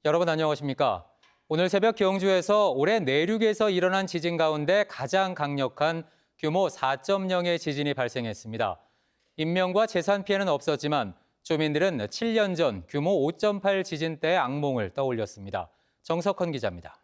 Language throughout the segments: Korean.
여러분 안녕하십니까? 오늘 새벽 경주에서 올해 내륙에서 일어난 지진 가운데 가장 강력한 규모 4.0의 지진이 발생했습니다. 인명과 재산 피해는 없었지만 주민들은 7년 전 규모 5.8 지진 때의 악몽을 떠올렸습니다. 정석헌 기자입니다.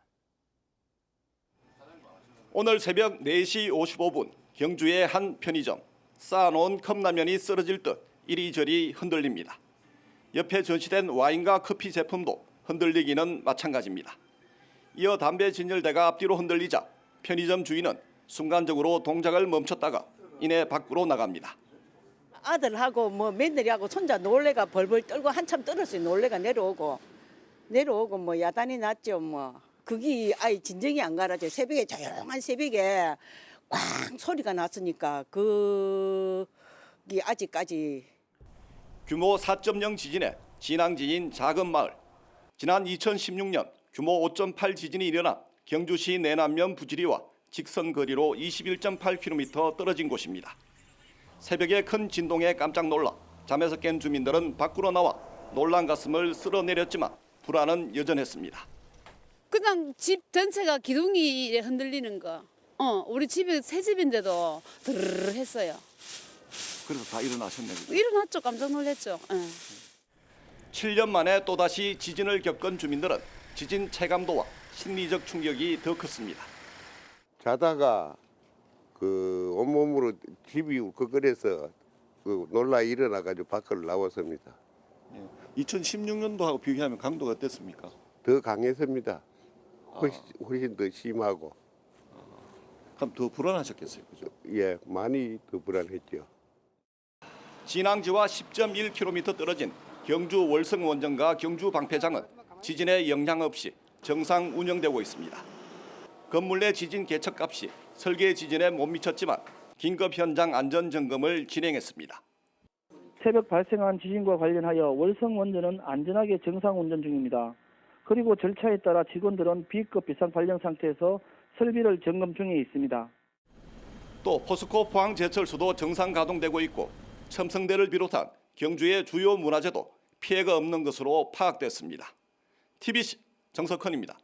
오늘 새벽 4시 55분 경주의 한 편의점. 쌓아놓은 컵라면이 쓰러질 듯 이리저리 흔들립니다. 옆에 전시된 와인과 커피 제품도 흔들리기는 마찬가지입니다. 이어 담배 진열대가 앞뒤로 흔들리자 편의점 주인은 순간적으로 동작을 멈췄다가 이내 밖으로 나갑니다. 아들하고 며느리하고 손자 놀래가 벌벌 떨고 한참 떨었어요. 놀래가 내려오고 야단이 났죠. 그게 아예 진정이 안 가라죠. 새벽에 조용한 새벽에 꽝 소리가 났으니까 그게 아직까지. 규모 4.0 지진의 진앙지인 작은 마을. 지난 2016년 규모 5.8 지진이 일어난 경주시 내남면 부지리와 직선 거리로 21.8km 떨어진 곳입니다. 새벽에 큰 진동에 깜짝 놀라 잠에서 깬 주민들은 밖으로 나와 놀란 가슴을 쓸어내렸지만 불안은 여전했습니다. 그냥 집 전체가 기둥이 흔들리는 거. 우리 집이 새 집인데도 드르르 했어요. 그래서 다 일어나셨네요. 일어났죠. 깜짝 놀랐죠. 7년 만에 또다시 지진을 겪은 주민들은 지진 체감도와 심리적 충격이 더 컸습니다. 자다가 온몸으로 집이 울컥거려서 놀라 일어나가지고 밖으로 나왔습니다. 2016년도하고 비교하면 강도가 어땠습니까? 더 강했습니다. 훨씬 더 심하고. 그럼 더 불안하셨겠어요, 그죠? 예, 많이 더 불안했죠. 진앙지와 10.1km 떨어진 경주 월성 원전과 경주 방패장은 지진에 영향 없이 정상 운영되고 있습니다. 건물 내 지진 개척값이 설계 지진에 못 미쳤지만 긴급 현장 안전 점검을 진행했습니다. 새벽 발생한 지진과 관련하여 월성 원전은 안전하게 정상 운전 중입니다. 그리고 절차에 따라 직원들은 B급 비상 발령 상태에서 설비를 점검 중에 있습니다. 또 포스코 포항제철소도 정상 가동되고 있고 첨성대를 비롯한 경주의 주요 문화재도 피해가 없는 것으로 파악됐습니다. TBC 정석헌입니다.